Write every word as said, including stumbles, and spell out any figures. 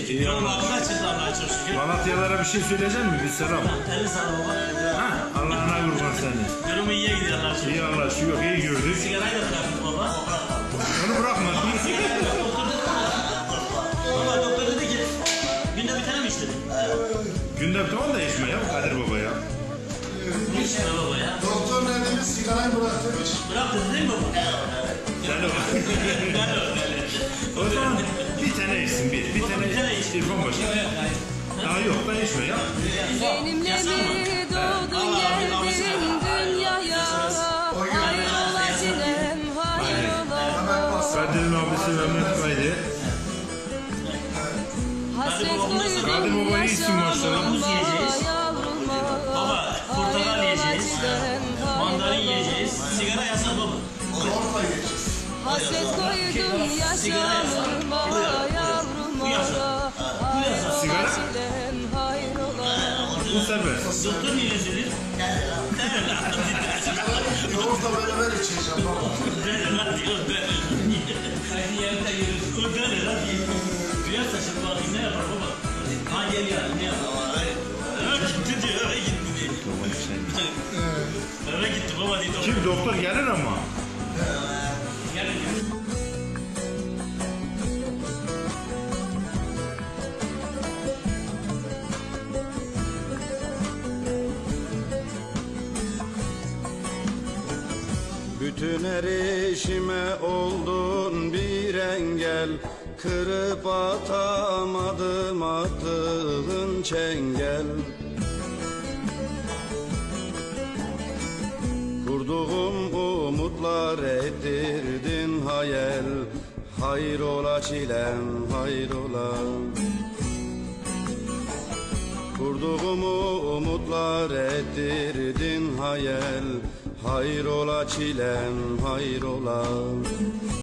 İyi Yolun Allah. altına çıktı Allah'a çok şükür. Malatyalara bir şey söyleyecek misin? Bir selam. elli sağ baba. Ha, Allah'ına kurban seni. Durumu iyiye gidiyor Allah'a şükür. İyi Allah şu yok iyi gördük. Sigarayı da bıraktım baba. Onu bırakma. Baba doktor dedi ki günde bir tane mi içtin? Günde bir tamam da içme ya Kadir Baba ya. Ne içtin baba ya? Doktor ne demiş? Sigarayı bıraktırmış. Bıraktın değil mi baba? Sen o. Ben de öyle. O zaman bir tane içsin bir. Bir tane, Bir tane iç. İrfan Paşa. Daha yok da içme ya. Benimle mi doğdun geldin dünyaya? Hayrola sinem hayrola. Kadir'in abisi Mehmet Kaydı. Hasret Kadir koydum Baba iyisin maşallah. Muz yiyeceğiz. yavruma. Baba portakal yiyeceğiz. Mandalin yiyeceğiz. Sigara yasak baba. Orta geçeceğiz. Hasret koydum yaşamıma yavruma. Sigara? Hayrola sinem hayrola. Bu serbest. Doktor niye dedi? Yoğurtla beraber içeceğim baba. Dene lan diyor dene. Aynı yerde yürüyorsun. O dene lan. Duyarsa şimdi bakayım ne yapar baba? Ha gel ya ne yapar? Eve gitti diyor eve gitti diyor. Eve gitti baba dedi. Kim doktor gelir ama. Gel gel. Bütün erişime oldun bir engel, kırıp atamadım attığın çengel. Kurduğum umutlar ettirdin hayal, hayrola çilem hayrola. Kurduğum umutlar ettirdin hayal, hayrola çilem hayrola.